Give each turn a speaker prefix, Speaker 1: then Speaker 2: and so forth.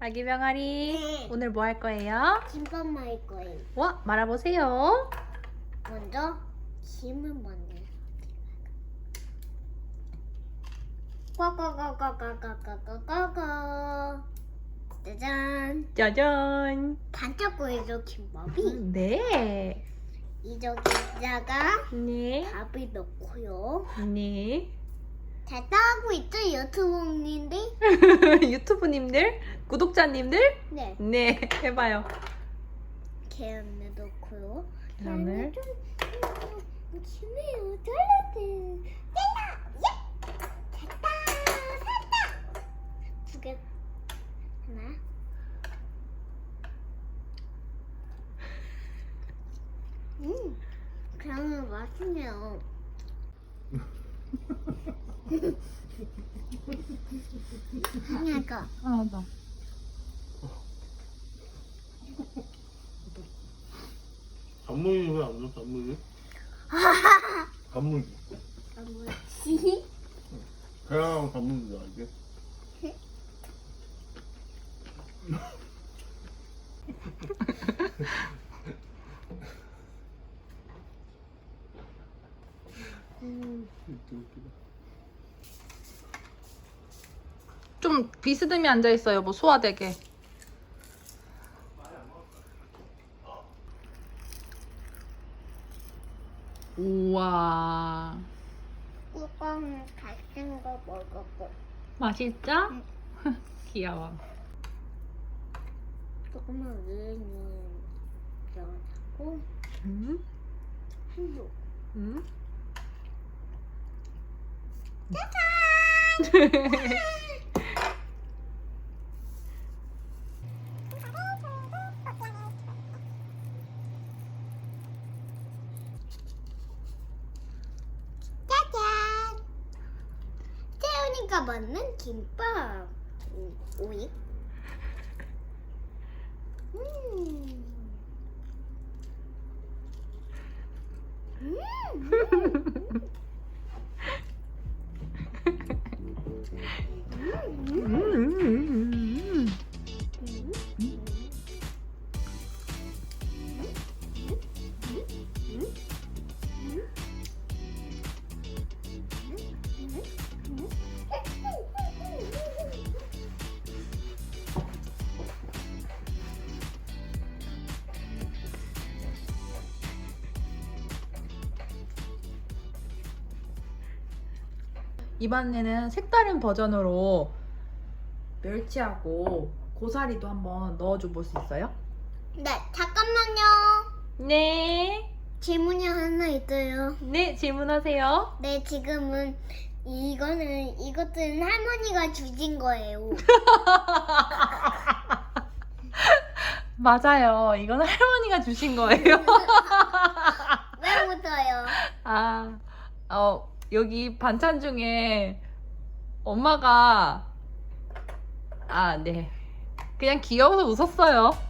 Speaker 1: 아기 병아리,
Speaker 2: 네.
Speaker 1: 오늘 뭐 할 거예요?
Speaker 2: 김밥 말일 거예요.
Speaker 1: 와, 말아보세요.
Speaker 2: 먼저 김을 먼저. 꽉꽉꽉꽉꽉꽉꽉꽉꽉. 짜잔.
Speaker 1: 짜잔.
Speaker 2: 반짝거리죠 김밥이.
Speaker 1: 네.
Speaker 2: 이저기다가
Speaker 1: 네.
Speaker 2: 밥을 넣고요.
Speaker 1: 네.
Speaker 2: 잘 따고 있죠 유튜브님들?
Speaker 1: 유튜브님들, 구독자님들,
Speaker 2: 네.
Speaker 1: 네, 해봐요.
Speaker 2: 계란을 넣고요.
Speaker 1: 계란을.
Speaker 2: 좀 심해요. 잘라도 잘라. 예. 됐다. 살다. 두 개. 하나. 그냥 맛있네요. 하나가.
Speaker 1: 아, 맞아.
Speaker 3: 단무지 왜 안 넣어? 단무지? 단무지.
Speaker 2: 뭐지?
Speaker 3: 계란하고 단무지 넣어 이게. 웃기다.
Speaker 1: 좀 비스듬히 앉아있어요, 뭐 소화되게. 우와.
Speaker 2: 뚜껑 같은 거 먹었고
Speaker 1: 맛있죠? 귀여워.
Speaker 2: 조금만 위에는 넣어주고
Speaker 1: 음?
Speaker 2: 한쪽.
Speaker 1: 음?
Speaker 2: 짜잔! 태우니까 맞는 김밥. 오이. 음.
Speaker 1: 이번에는 색다른 버전으로 멸치하고 고사리도 한번 넣어줘 볼 수 있어요?
Speaker 2: 네, 잠깐만요.
Speaker 1: 네.
Speaker 2: 질문이 하나 있어요.
Speaker 1: 네, 질문하세요.
Speaker 2: 네, 지금은 이것들은 할머니가 주신 거예요.
Speaker 1: 맞아요. 이건 할머니가 주신 거예요.
Speaker 2: 왜 웃어요?
Speaker 1: 아, 여기 반찬 중에 엄마가, 네. 그냥 귀여워서 웃었어요.